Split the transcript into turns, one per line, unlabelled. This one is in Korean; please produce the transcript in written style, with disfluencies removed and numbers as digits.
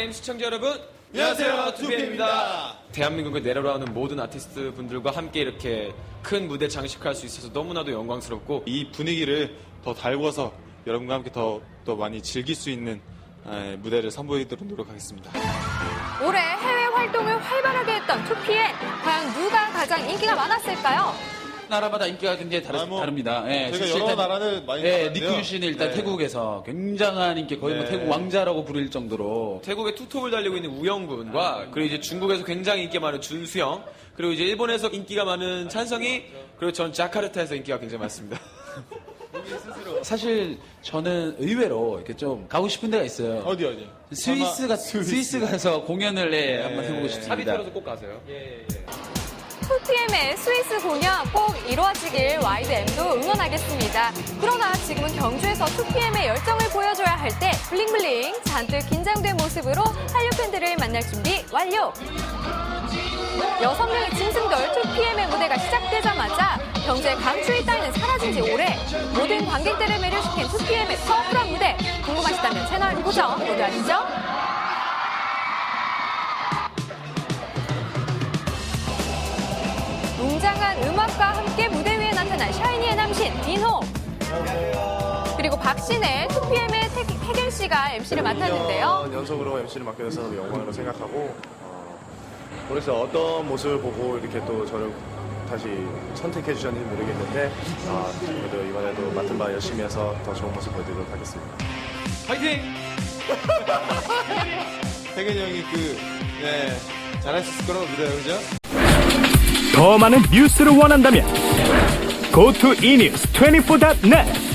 2PM 시청자 여러분,
안녕하세요, 2PM입니다.
대한민국에 내려오는 모든 아티스트 분들과 함께 이렇게 큰 무대 장식할 수 있어서 너무나도 영광스럽고,
이 분위기를 더 달궈서 여러분과 함께 더 많이 즐길 수 있는 무대를 선보이도록 노력하겠습니다.
올해 해외 활동을 활발하게 했던 2PM. 과연 누가 가장 인기가 많았을까요?
나라마다 인기가 굉장히 다릅니다. 예,
저희가
사실
여러
일단,
나라를 많이
예,
갔는데요.
니쿤 씨는 일단
네.
태국에서 굉장한 인기, 거의 뭐
네.
태국 왕자라고 부를 정도로.
태국의 투톱을 달리고 있는 우영군과, 그리고 이제 중국에서 굉장히 인기 많은 준수영, 그리고 이제 일본에서 인기가 많은 찬성이, 그리고 전 자카르타에서 인기가 굉장히 많습니다.
사실 저는 의외로 이렇게 좀 가고 싶은 데가 있어요.
어디?
스위스 가서 공연을 한번 해보고 싶습니다.
합의 털어서 꼭 가세요.
2PM의 스위스 공연 꼭 이루어지길 YDM도 응원하겠습니다. 그러나 지금은 경주에서 2PM의 열정을 보여줘야 할 때 블링블링 잔뜩 긴장된 모습으로 한류 팬들을 만날 준비 완료! 6명의 짐승돌 2PM의 무대가 시작되자마자 경주의 강추위 따위는 사라진 지 오래. 모든 관객들을 매료시킨 2PM의 파워풀한 무대. 궁금하시다면 채널 고정 모두 아시죠? 웅장한 음악과 함께 무대 위에 나타난 샤이니의 남신 민호. 그리고 박신혜 2PM의 태균 씨가 MC를 맡았는데요.
연속으로 MC를 맡게 돼서 너무 영광으로 생각하고 그래서 어떤 모습을 보고 이렇게 또 저를 다시 선택해 주셨는지 모르겠는데 그래도 이번에도 맡은 바 열심히 해서 더 좋은 모습 보여드리도록 하겠습니다.
화이팅!
태균이 형이 잘할 수 있을 거라고 믿어요, 그죠?
더 많은 뉴스를 원한다면 go to enews24.net